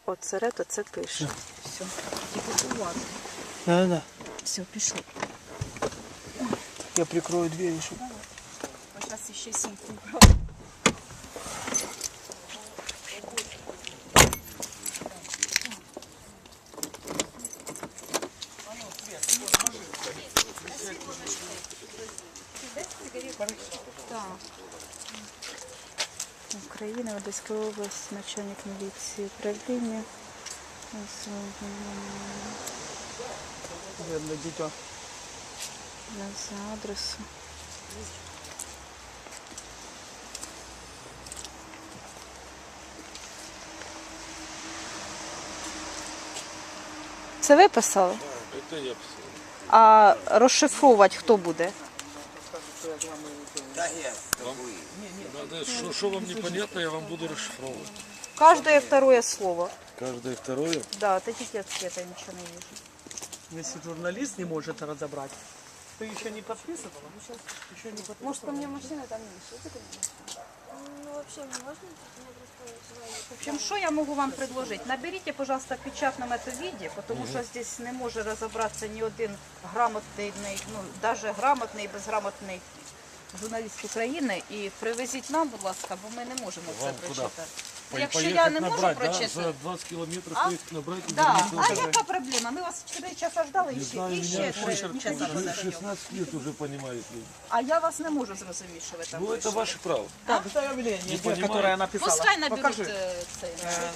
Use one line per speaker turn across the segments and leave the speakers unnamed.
Оцерет, оце пише. Все. Тільки уважно.
Да.
Все, пішло.
Я прикрою дверь еще.
Зараз ще сімку. Україна, Одеська область, начальник міліції управління.
Бедное дитя.
За адресу. Це ви писали?
Это я писал.
А розшифрувати хто буде?
Надо, что вам непонятно, я вам буду расшифровывать.
Каждое второе слово.
Каждое второе.
Да, это пиздец, я ничего не вижу.
Если журналист не может разобрать, ты еще не подписывала? Еще не подписывала.
Может, у меня машина там есть?
Ну, вообще не можно,
В общем, что я могу вам предложить? Наберите, пожалуйста, в печатном это виде, потому что здесь не может разобраться ни один грамотный, ну, даже грамотный и безграмотный журналіст України, і привезіть нам, будь ласка, бо ми не можемо це
Вам куди?
прочитати. Якщо я не можу
набрать, да?
прочитати.
За 20 километров
А?
поехать набрать и
Да.
вернуться.
А яка проблема? Ми вас 4 часа ждали
Не
і
знаю,
ще
меня
3 часа ждали.
16 лет уже понимают люди.
А я вас не можу зрозуміти, що ви там
Ну, это
вийшли.
ваше право.
Так, это заявление,
Не
которое
понимаю.
я написала.
Пускай наберуть
Покажи.
цей.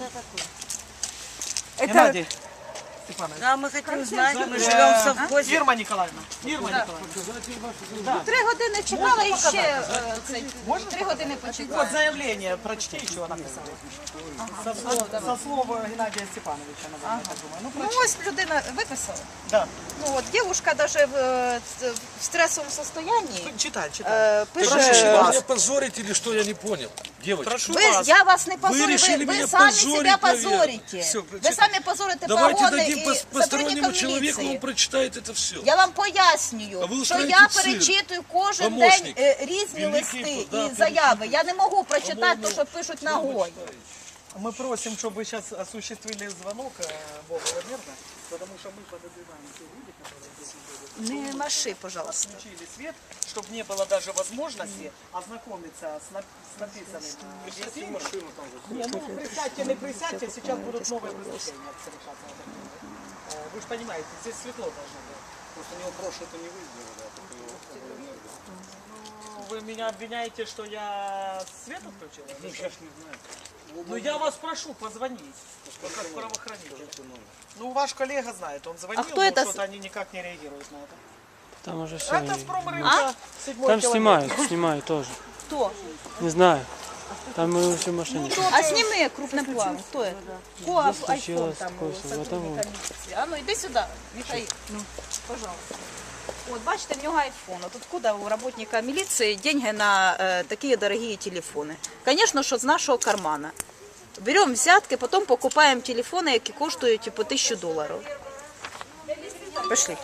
Геннадий Степанович.
Да, мы хотим знать, мы живем в совхозе.
Ирма Николаевна. Ирма Николаевна.
3 години чекала і ще 3 години
Вот
почекала.
заявление, прочти, что написала. Со слов Геннадия Степановича, наверное, я так думаю. Ну,
Ну
прочти.
ось людина виписала.
Да.
Ну от дівчинка навіть в стресовому состоянні
Читай, читай.
пише.
Прошу
Вы
вас.
меня позорите или что, я не понял. Девочки,
Прошу
Ви,
вас.
я вас не позорю,
решили
ви
меня
самі
позорить,
себе
наверное.
позорите.
Всё,
Ви самі позорите
давайте
погони
дадим
і
постороннему
сотрудникам
человеку, он
міліції.
прочитает это все.
Я вам пояснюю,
А ви
що
устраиваете
я
цирк.
перечитую кожен
Помощник.
день різні
Великий,
листи
да,
і заяви. Я не можу прочитати те, що пишуть ногою.
Мы просим, чтобы вы сейчас осуществили звонок Богу Владимировна, потому что мы подозреваем те люди, которые здесь будут.
Не маши, пожалуйста.
Включили свет, чтобы не было даже возможности ознакомиться с написанным. Машину там же. Не, ну присядьте, не присядьте, сейчас будут новые преступления совершаться. Вы же понимаете, здесь светло должно быть.
Просто у него прошлое-то не вызвало, да, только его
Ну, вы меня обвиняете, что я свет отключил?
ну, сейчас не знаю.
Ну я вас прошу, позвонить, как правоохранитель. Ну ваш коллега знает, он звонил,
кто
но
это
что-то они никак не реагируют на это.
Там уже все.
Это с промрынка 7-й
Там
километр.
снимают тоже.
Хто?
Не знаю. Там мы все в машине.
А сніми крупним планом. Хто це? Коап, айфон
случилось
там
такое,
у
вот
сотрудника
там
міліції. А ну йди сюди, Михаил. Ну, пожалуйста. От бачите, в нього айфон. От откуда у работника милиции деньги на такие дорогие телефоны? Конечно, что с нашего кармана. Берем взятки, потом покупаем телефоны, які коштують по $1000. Пошли.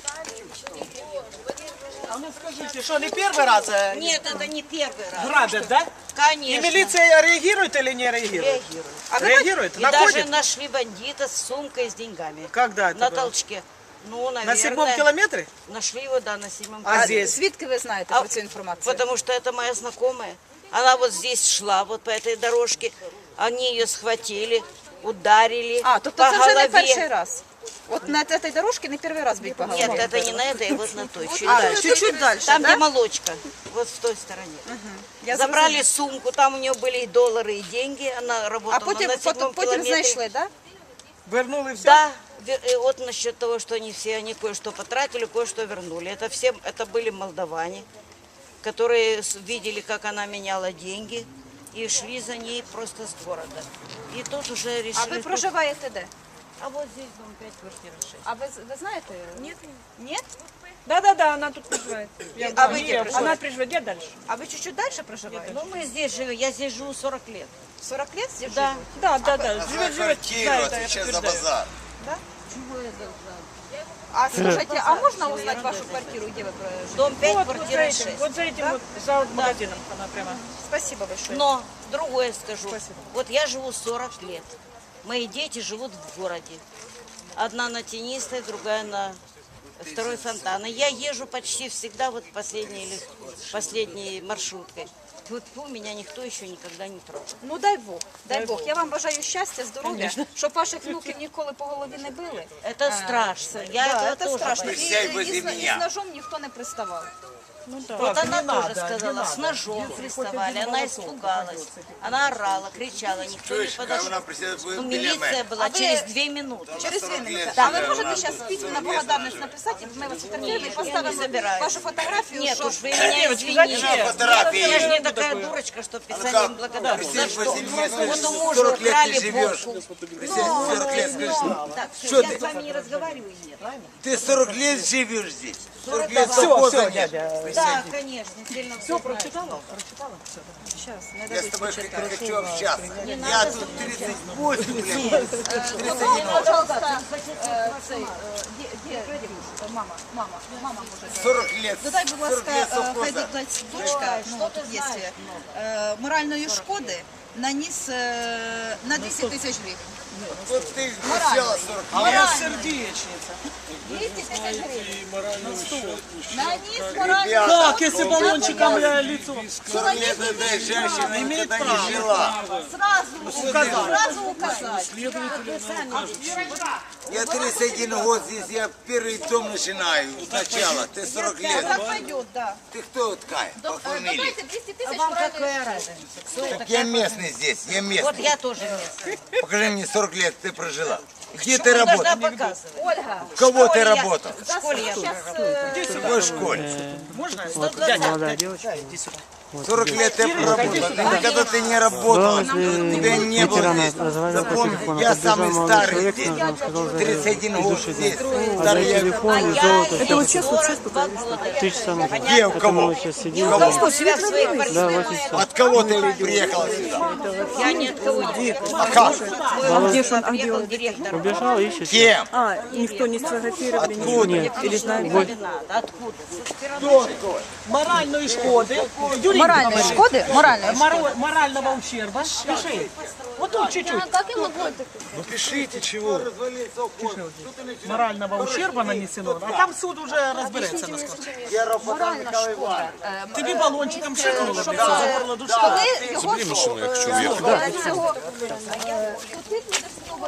А ну скажите, что не первый раз
Нет, это не первый раз.
грабят, да? И
Конечно.
милиция реагирует или не реагирует?
Реагирует.
А ви
Реагирует?
И
Находит?
даже нашли бандита с сумкой с деньгами.
Когда это
На
было?
толчке. Ну,
На
наверное.
7-м километре?
Нашли его, да, на 7-м.
А здесь?
Звідки ви знаєте
А,
про цю інформацію?
Потому что это моя знакомая. Она вот здесь шла, вот по этой дорожке. Они ее схватили, ударили
А, тобто
по
це вже не
голове.
перший раз. От на цій дорожці не перший раз бить по голові.
Нет, это не на этой, вот на той, чуть
А,
дальше.
чуть-чуть дальше,
Там,
да?
где молочка, вот с той стороне.
Я
Забрали сумку, там у нее были и доллары, и деньги. Она работала
А потім,
на 7-м
потім
километре.
знайшли, так?
Вернули все?
Да, и вот насчет того, что они все, они кое-что потратили, кое-что вернули. Это все, это были молдаване, которые видели, как она меняла деньги, и шли за ней просто с города. И тут уже
А
решили...
ви проживаєте де?
А вот здесь дом 5, квартира 6.
А ви знаєте? Нет. Нет?
Да, она тут проживает.
А ви де
Она
проживаєте?
проживает дальше.
А ви чуть-чуть далі проживаєте?
Ну, мы здесь живем, я здесь живу 40 лет.
40 лет здесь
Да.
живете?
Да. Живет.
Квартиру
Да, это я
отвечает за
подтверждаю.
базар.
А скажите, а можно узнать вашу квартиру, где вы проживаете?
Дом 5,
Вот
квартира
за
6.
этим, вот за этим вот, за магазином она прямо.
Спасибо большое.
Но другое скажу.
Спасибо.
Вот я живу 40 лет. Мои дети живут в городе. Одна на Тенистой, другая на Второй Фонтан. И я езжу почти всегда вот последней маршруткой. Вот меня никто еще никогда не трогал.
Ну дай Бог, дай Бог. Я вам бажаю щастя, здоров'я, щоб ваших внуків ніколи по голові не били.
Это страшно. Я
Да,
этого
це
тоже
страшно.
боюсь.
І з ножом ніхто не приставав.
Вот она
не
тоже
надо, не
сказала,
надо.
с ножом приставали. Она испугалась. Она орала, кричала, никто не подошел. Ну, милиция была через 2 минуты.
Через 2 минути. А ви можете зараз письменно благодарність написати, ми вас фотографуємо і поставимо вашу фотографію,
Нет,
що...
уж вы меня извините. Я же не такая дурочка, что писать им благодарность. За что? Вот у мужа украли бошку. Так, все, я с вами не разговариваю, нет.
Ты 40 лет живешь здесь? 40 лет
Все,
совхоза
все,
нет.
дядя.
Да, конечно, сильно
Все, прочитала?
Зараз, не
Я с
дадуть
тобой
почитати.
хочу общаться. Я тут 38 лет.
Пожалуйста, мама може.
40 лет.
Додай, будь
40
ласка,
лет
хай
совхоза.
дочка, ну тут є моральної шкоди наніс на 200 тисяч гривень.
Вот ты хотела 40
А у нас сердечница.
200 тисяч гривень. Наніс моральну
Как, если баллончиком лицо?
40 лет этой женщина никогда не жила.
сразу указать.
Я 31 год здесь, я первый дом начинаю сначала. Ты 40 лет.
Так пойдет, да.
Ты кто такая по фамилии?
Давайте 200 тисяч
Вам
моральної
какая разница?
Так я местный здесь, я
Вот
местный.
я тоже местная.
Покажи мне 40 лет ты прожила. Где ты
Должна
работала?
показывать.
Ольга,
В кого ты
школе я-
работал?
В школе я
сейчас
В какой школе?
Можно?
Молодая девочка.
40 лет я проработал. Никогда ты не работала. Тебя не было
Ветераны
здесь.
разговаривали по
Запомни,
телефону,
я
подбежал
самый
молодой
старый
человек,
здесь.
он сказал,
31 год здесь.
отдай
Старый я.
телефон и
Я
золото.
это вот 42 года.
3 часа назад.
Где, у
Это
кого?
мы сейчас сидим.
Кого?
У себя в своей
Да,
квартире.
8 часов.
От кого ты приехала сюда?
Я ни от кого не
А как?
приехал директор.
Убежал, ищет.
Кем?
Никто не сфотографировали.
Откуда?
Или знаете, не надо. Откуда?
Кто такой?
Моральной шкоды. Юрий
моральної
Николаевич,
шкоди, моральної
морального ущерба. Пиши. Вот тут чуть-чуть.
Как я могу это?
Ну пишите чего.
Морального ущерба нанесено. А там суд уже разберется, насколько.
моральна шкода.
Тобі балончиком шикнуло.
Щоб
Горло душа.
коли його
Машину я хочу вверх.
цього